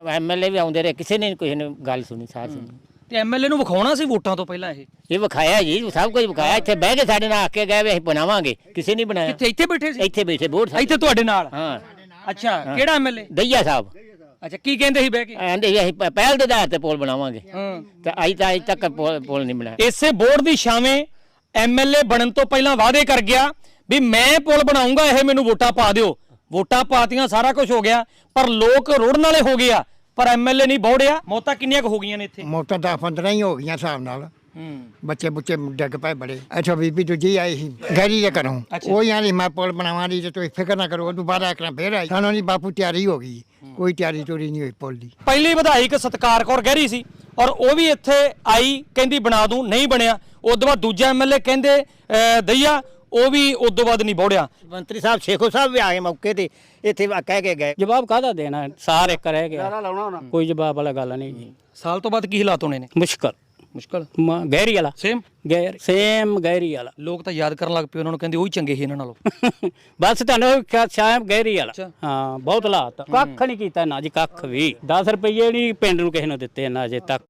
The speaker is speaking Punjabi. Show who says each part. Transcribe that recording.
Speaker 1: ਐਮਐਲਏ ਵੀ ਆਉਂਦੇ ਰਹੇ, ਕਿਸੇ ਨੇ ਕਿਸੇ ਨੇ ਗੱਲ ਸੁਣੀ, ਸਾਥ ਸੁਣੀ।
Speaker 2: ਤੇ ਐਮਐਲਏ ਨੂੰ ਵਿਖਾਉਣਾ ਸੀ ਵੋਟਾਂ ਤੋਂ ਪਹਿਲਾਂ
Speaker 1: ਇਹ ਵਿਖਾਇਆ ਜੀ, ਸਭ ਕੁਝ ਵਿਖਾਇਆ। ਇੱਥੇ ਬਹਿ ਕੇ ਸਾਡੇ ਨਾਲ ਆ ਕੇ ਗਏ ਵੀ ਅਸੀਂ ਬਣਾਵਾਂਗੇ, ਕਿਸੇ ਨੇ ਬਣਾਇਆ।
Speaker 2: ਕਿੱਥੇ ਇੱਥੇ ਬੈਠੇ ਸੀ?
Speaker 1: ਇੱਥੇ ਬੈਠੇ ਵੋਟ
Speaker 2: ਇੱਥੇ ਤੁਹਾਡੇ ਨਾਲ?
Speaker 1: ਹਾਂ।
Speaker 2: ਅੱਛਾ, ਕਿਹੜਾ ਐਮਐਲਏ?
Speaker 1: ਦਈਆ ਸਾਹਿਬ।
Speaker 2: ਅੱਛਾ, ਕੀ ਕਹਿੰਦੇ ਸੀ ਬਹਿ ਕੇ?
Speaker 1: ਕਹਿੰਦੇ ਅਸੀਂ ਪਹਿਲ ਦੇ ਆਧਾਰ ਤੇ ਪੁਲ ਬਣਾਵਾਂਗੇ, ਤੇ ਅੱਜ ਤੱਕ ਪੁਲ ਨਹੀਂ ਬਣਾਇਆ।
Speaker 2: ਇਸੇ ਬੋਰਡ ਦੀ ਛਾਵੇਂ ਐਮਐਲਏ ਬਣਨ ਤੋਂ ਪਹਿਲਾਂ ਵਾਅਦੇ ਕਰ ਗਿਆ ਵੀ ਮੈਂ ਪੁਲ ਬਣਾਉਂਗਾ, ਇਹ ਮੈਨੂੰ ਵੋਟਾਂ ਪਾ ਦਿਓ। ਵੋਟਾਂ ਪਾਤੀਆਂ, ਸਾਰਾ ਕੁਝ ਹੋ ਗਿਆ, ਪਰ ਲੋਕ ਰੁੜਨ ਵਾਲੇ ਹੋ ਗਿਆ, ਪਰ ਐਮਐਲਏ ਨਹੀਂ ਬੋੜਿਆ। ਮੌਤਾਂ ਕਿੰਨੀਆਂ ਕੁ ਹੋ ਗਈਆਂ ਨੇ ਇੱਥੇ?
Speaker 3: ਮੌਤਾਂ 10-15 ਹੀ ਹੋ ਗਈਆਂ ਹਿਸਾਬ ਨਾਲ। ਬੱਚੇ ਬੁੱਚੇ ਡਿੱਗ ਪਏ ਬੜੇ। ਅੱਛਾ, ਬੀਬੀ ਦੂਜੀ ਆਈ ਸੀ ਗੈਰੀ ਦੇ ਘਰੋਂ, ਉਹ ਯਾਨੀ ਮੈਂ ਪੁਲ ਬਣਾਵਾਂ ਦੀ, ਤੇ ਤੁਸੀਂ ਫਿਕਰ ਨਾ ਕਰੋ। ਉਹ ਦੁਬਾਰਾ ਇੱਕ ਫੇਰ ਆਈ, ਸਾਨੂੰ ਨਹੀਂ ਬਾਪੂ ਤਿਆਰੀ ਹੋ ਗਈ, ਕੋਈ ਤਿਆਰੀ ਚੋਰੀ ਨਹੀਂ ਹੋਈ ਪੁਲ ਦੀ।
Speaker 2: ਪਹਿਲੀ ਵਿਧਾਇਕ ਸਤਕਾਰ ਕੌਰ ਗਹਿਰੀ ਸੀ, ਔਰ ਉਹ ਵੀ ਇੱਥੇ ਆਈ, ਕਹਿੰਦੀ ਬਣਾ ਦੂੰ, ਨਹੀਂ ਬਣਿਆ। ਉਦੋਂ ਬਾਅਦ ਦੂਜਾ ਐਮਐਲਏ ਕਹਿੰਦੇ ਦਈਆ, ਉਹ ਵੀ ਉਦੋਂ ਬਾਅਦ ਨਹੀਂ ਬੋੜਿਆ।
Speaker 1: ਮੰਤਰੀ ਸਾਹਿਬ ਸ਼ੇਖੋ ਸਾਹਿਬ ਵੀ ਆਏ ਮੌਕੇ ਤੇ, ਇੱਥੇ ਕਹਿ ਕੇ ਗਏ।
Speaker 4: ਜਵਾਬ ਕਾਹਦਾ ਦੇਣਾ, ਸਾਰ ਇੱਕ ਰਹਿ ਗਿਆ, ਕੋਈ ਜਵਾਬ ਵਾਲਾ ਗੱਲ ਨਹੀਂ ਜੀ।
Speaker 2: ਸਾਲ ਤੋਂ ਬਾਅਦ ਕੀ ਹਾਲਾਤ ਹੋਣੇ ਨੇ?
Speaker 4: ਮੁਸ਼ਕਲ ਗਹਿਰੀ ਵਾਲਾ
Speaker 2: ਸੇਮ
Speaker 4: ਗਹਿਰੀ ਵਾਲਾ।
Speaker 2: ਲੋਕ ਤਾਂ ਯਾਦ ਕਰਨ ਲੱਗ ਪਏ, ਉਹਨਾਂ ਨੂੰ ਕਹਿੰਦੇ ਉਹੀ ਚੰਗੇ ਸੀ ਇਹਨਾਂ ਨਾਲੋਂ।
Speaker 4: ਬਸ ਤੁਹਾਨੂੰ ਸ਼ਾਇਦ ਗਹਿਰੀ ਵਾਲਾ। ਹਾਂ, ਬਹੁਤ ਹਾਲਾਤ, ਕੱਖ ਨਹੀਂ ਕੀਤਾ ਨਾ ਜੀ, ਕੱਖ ਵੀ। 10 ਰੁਪਏ ਨਹੀਂ ਪਿੰਡ ਨੂੰ ਕਿਸੇ ਨੂੰ ਦਿੱਤੇ ਨਾ ਅਜੇ ਤੱਕ।